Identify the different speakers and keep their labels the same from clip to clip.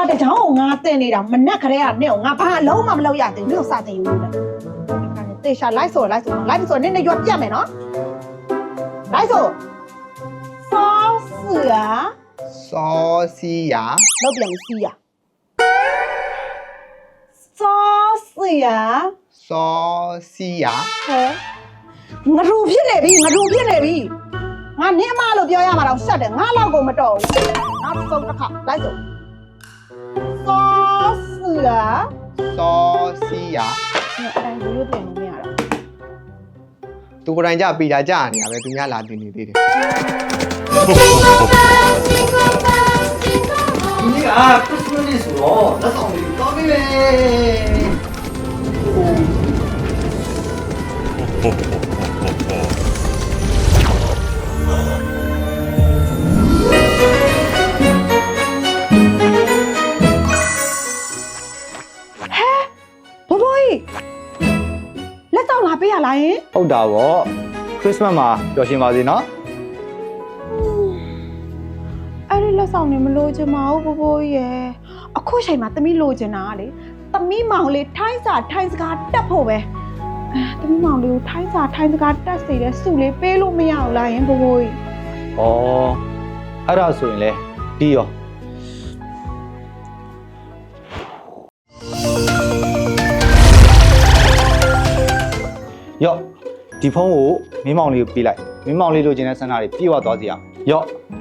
Speaker 1: စာတကြောင်ငါတင်နေတာမနဲ့ခရဲကနဲ့ငါဘာအလုံးမမလုပ်ရသေးဘူးလို့စာတင်ယူလို့လေတေရှာလိုက်ဆိုနင်းနဲ့ရွက်ပြတ်မယ်နော်လိုက်ဆိုစောစီယာ
Speaker 2: စောစီယာ
Speaker 1: လောက်ပြန်စီယာစောစီယာ
Speaker 2: စောစီယာ
Speaker 1: ဟဲ့ငါရူဖြစ်နေပြီငါနင်းအမလို့ပြောရမှာတော့ရှက်တယ်ငါလောက်ကိုမတော်ဘူးနောက်ဆုံးတစ်ခါလိုက်ဆိုစောစီယာ
Speaker 2: စောစီယာ
Speaker 1: အဲ့ဒါရိုးရိုးပြင်လို့မရတော့
Speaker 2: သူကိုယ်တိုင်ကြပြီးတာကြာနေရပဲသူများလာတင်နေသေးတယ်
Speaker 3: ဒီကခရစ်စမတ်နေ့ဆိုတော့လက်ဆောင်လေးတောင်းပေးမယ်
Speaker 1: ဘဘိုးလက်တော့လာပေးရလားယင်
Speaker 4: ဟုတ်တာဗောခရစ်စမတ်မှာပျော်ရွှင်ပါစေနော်
Speaker 1: အဲ့ဒီလက်ဆောင်နေမလို့ချင်ပါဘူးဘဘိုးရဲ့အခုချိန်မှာသမီးလိုချင်တာကလေသမီးမောင်လေးထိုင်းစာထိုင်းစကားတက်ဖို့ပဲသမီးမောင်လေးကိုထိုင်းစာထိုင်းစကားတက်စေတဲ့စုလေးပေးလို့မရဘူးလားယင်ဘဘိုး
Speaker 4: ဩအဲ့ဒါဆိုရင်လေဒီရောဒီဖုန်းကိုမင်းမောင်လေးကိုပေးလိုက်မင်းမောင်လေးလိုချင်တဲ့ဆန္ဒတွေပြေဝသွားစီအောင်ရော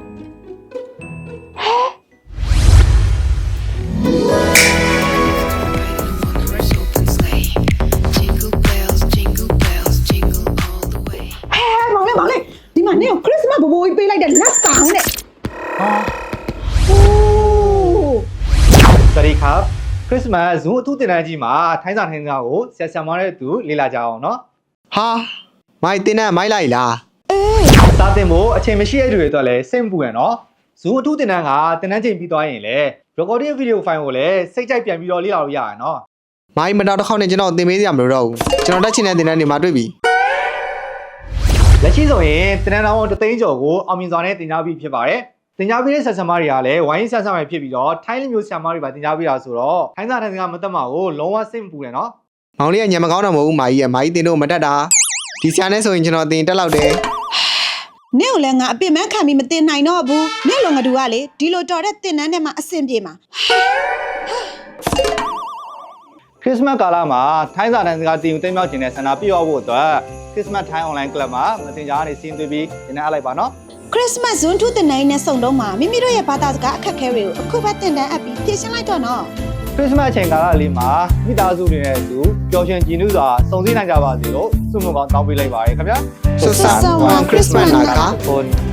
Speaker 1: မောင်လေးဒီမှာနေကိုခရစ်စမတ်ဘဘိုးကြီးပေးလိုက်တဲ့လက်ဆောင်နဲ့
Speaker 4: ဟာ
Speaker 1: ဟိုး
Speaker 4: စวัสดีครับခရစ်စမတ်ဇူးအထူးတင်တန်းကြီးမှာထိုင်းစာကိုဆရာဆရာမတဲ့သူလေ့လာကြအောင်နော်
Speaker 2: ဟာမိုက်တင်နဲ့မိုက်လိုက်လား
Speaker 4: စာသင်ဖို့အချိန်မရှိတဲ့သူတွေအတွက်လည်းစိတ်မပူရနော်ဇူးအထူးတင်တန်းကတင်တန်းချိန်ပြီးသွားရင်လည်း recording video file ကိုလည်းစိတ်ကြိုက်ပြန်ပြီးတော့လေ့လာလို့ရရနော်
Speaker 2: မိုက်မတော်တစ်ခေါက်နဲ့ကျွန်တော်သင်ပေးစရာမလိုတော့ဘူးကျွန်တော်တက်ချင်တဲ့တင်တန်းတွေမှာတွေ့ပြီ
Speaker 4: လက်ရှိဆိုရင်တင်တန်းတော်တသိန်းကျော်ကိုအောင်မြင်စွာနဲ့တင် जा ပြီးဖြစ်ပါတယ်တင် जा ပြီးတဲ့ဆက်ဆံမတွေကလည်းဝိုင်းဆက်ဆံမှဖြစ်ပြီးတော့ထိုင်းလူမျိုးဆရာမတွေပါတင် जा ပြီးတာဆိုတော့ထိုင်းစာထိုင်းစကားမတက်မှာကိုလုံးဝစိတ်မပူနဲ့နော်
Speaker 2: မောင်လေးကညံမကောင်းတော့မဟုတ်ဘူးမာကြီးရဲ့မာကြီးတင်တော့မတက်တာဒီဆရာနဲ့ဆိုရင်ကျွန်တော်တင်တက်လောက်တယ်
Speaker 1: နင့်ကိုလည်းငါအပြစ်မှန်းခံပြီးမတင်နိုင်တော့ဘူးနင့်လိုငါတို့ကလေဒီလိုတော်တဲ့တင်နန်းထဲမှာအဆင်ပြေမှာ
Speaker 4: ခရစ်စမတ်ကာလမှာထိုင်းစာထိုင်းစကားတင်ယူသိမ်းမြောက်ခြင်းနဲ့ဆန္ဒပြည့်ဝဖို့အတွက်ခရစ်စမတ်ထိုင်း online club မှာမတင် जा ကနေစီးသွေးပြီးတင်နေအပ်လိုက်ပါနော်
Speaker 1: ခရစ်စမတ်ဇွန်ထူးတင်နိုင်နဲ့စုံတော့မှာမိမိတို့ရဲ့ဘာသာစကားအခက်အခဲတွေကိုအခုပဲတင်တန်းအပ်ပြီးဖြေရှင်းလိုက်တော့နော်
Speaker 4: ခရစ်စမတ်အချိန်ကာလလေးမှာမိသားစုတွေနဲ့အတူပျော်ရွှင်ကြည်နူးစွာစုံစည်းနိုင်ကြပါစေလို့ဆုမွန်ကောင်းတောင်းပေးလိုက်ပါရခင်ဗျာ
Speaker 2: ဆွတ်ဆန်ဝမ်ခရစ်စမတ်နာက
Speaker 4: ဟုတ်